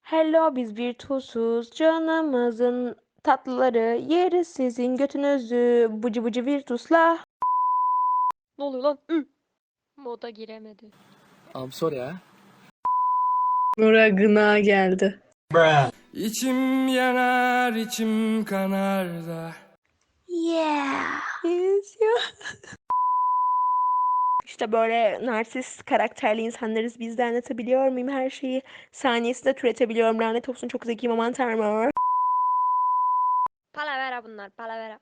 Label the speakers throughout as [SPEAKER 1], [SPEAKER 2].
[SPEAKER 1] Hello biz Virtus'uz. Canımızın tatlıları. Yeriz sizin götünüzü. Bıcı bıcı Virtus'la.
[SPEAKER 2] Ne oluyor lan? Moda giremedi.
[SPEAKER 3] I'm sorry ha.
[SPEAKER 4] Nura gına geldi.
[SPEAKER 5] İçim yanar, içim kanar da.
[SPEAKER 1] Yeah. Yes, yeah. İşte böyle narsist karakterli insanlarız. Biz de anlatabiliyor muyum her şeyi? Saniyesinde türetebiliyorum. Lanet olsun çok zekiyim aman tanrım.
[SPEAKER 2] Palavera bunlar, palavera.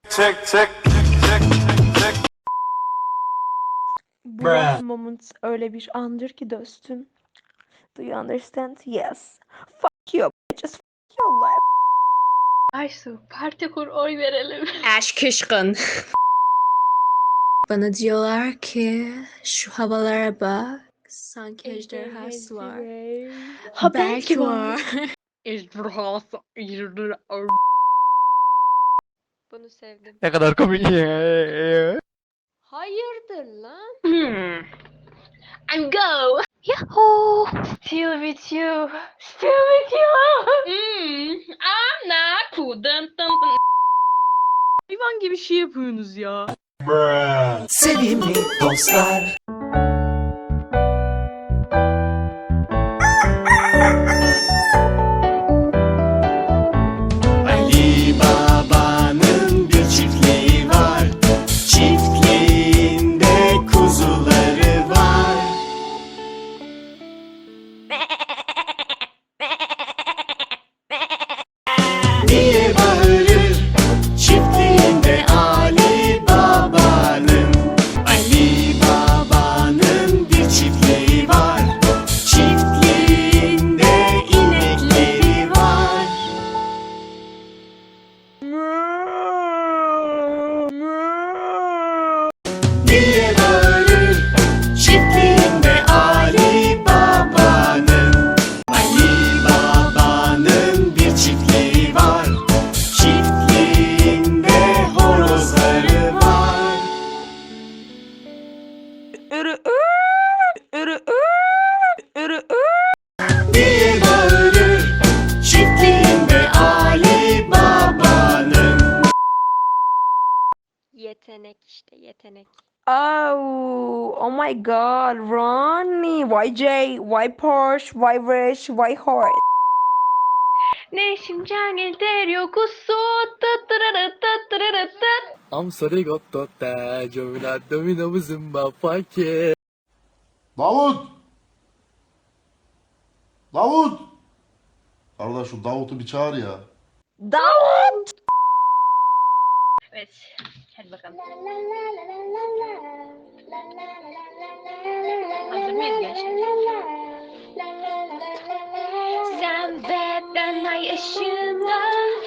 [SPEAKER 1] Bu last moment öyle bir andır ki dostum. Do you understand? Yes. Fuck you. Just fuck your life.
[SPEAKER 2] Aysu, parti kur, oy verelim.
[SPEAKER 4] Aşk kışkın. Bana diyorlar ki şu havalara bak. Sanki ejderhası var.
[SPEAKER 1] Ha
[SPEAKER 4] Belki var.
[SPEAKER 2] Ejderhası. Bunu sevdim.
[SPEAKER 3] Ne kadar komik.
[SPEAKER 2] Hayırdır lan?
[SPEAKER 4] And go.
[SPEAKER 2] Yahoo! Still with you. Still with you.
[SPEAKER 4] I'm not cool.
[SPEAKER 6] Hayvan gibi şey yapıyorsunuz ya.
[SPEAKER 5] Sevimli dostlar. Ali Baba'nın bir çiftliği var. Çiftliğinde kuzuları var. Diye bağırır çiftliğinde Ali Baba'nın. Ali Baba'nın bir çiftliği var. Çiftliğinde inekleri var. Diye bağırır çiftliğinde Ali Baba'nın. Ali Baba'nın bir çiftliği var. Çiftliğinde horozları var. Diye bağırır çiftliğinde Ali Baba'nın.
[SPEAKER 2] Yetenek işte, yetenek.
[SPEAKER 1] Oh my god, Ronnie. Why Jay? Why Porsche? Why Rich? Why Horse?
[SPEAKER 2] 내 심장을 때려고서 따따라따따라따.
[SPEAKER 3] I'm sorry gottota. Jomina domina muzumba pake.
[SPEAKER 7] Davut! Davut! Kardeş şu Davut'u bir çağır ya.
[SPEAKER 1] Davut!
[SPEAKER 2] Evet, hadi bakalım. Hazır mıyız gençler? Sen ve ben ay ışığında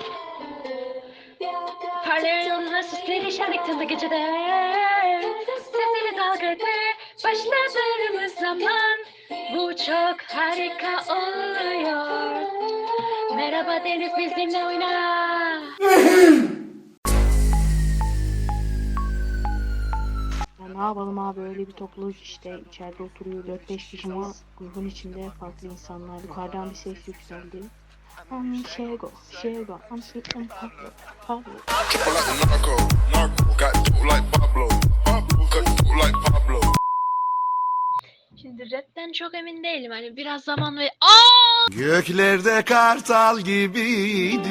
[SPEAKER 2] parlıyorsun nasıl perişanlıktın gecede. Sesini dalgadır başladığımız zaman bu çok harika oluyor. Merhaba Deniz bizimle oyna.
[SPEAKER 6] Ya ne yapalım abi, öyle bir topluluk işte, içeride oturuyor 4-5 kişi ama grubun içinde farklı insanlar. Yukarıdan bir ses yükseldi. Şego, Pablo.
[SPEAKER 8] Triple like a narco, got dope like Pablo, cut dope like Pablo.
[SPEAKER 2] Şimdi rapten çok emin değilim, hani biraz zaman ve
[SPEAKER 5] Göklerde kartal gibiydim.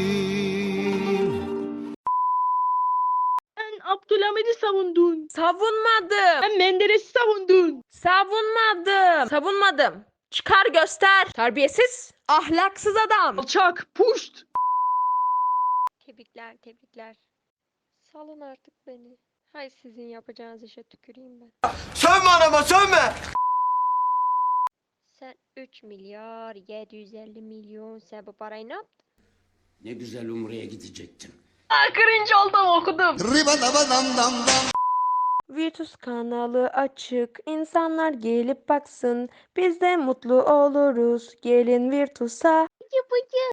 [SPEAKER 6] Sen Abdülhamid'i savundun.
[SPEAKER 1] Savunmadım.
[SPEAKER 6] Sen Menderes'i savundun.
[SPEAKER 1] Savunmadım. Çıkar göster. Terbiyesiz, ahlaksız adam.
[SPEAKER 6] Alçak, puşt.
[SPEAKER 2] tebrikler. Salın artık beni. Hay sizin yapacağınız işe tüküreyim ben.
[SPEAKER 5] Sönme anama sönme.
[SPEAKER 2] Sen 3 milyar 750 milyon sen bu parayı ne yaptın?
[SPEAKER 9] Ne güzel Umre'ye gidecektim.
[SPEAKER 2] Cringe oldum okudum.
[SPEAKER 1] Virtus kanalı açık. İnsanlar gelip baksın. Biz de mutlu oluruz. Gelin Virtus'a.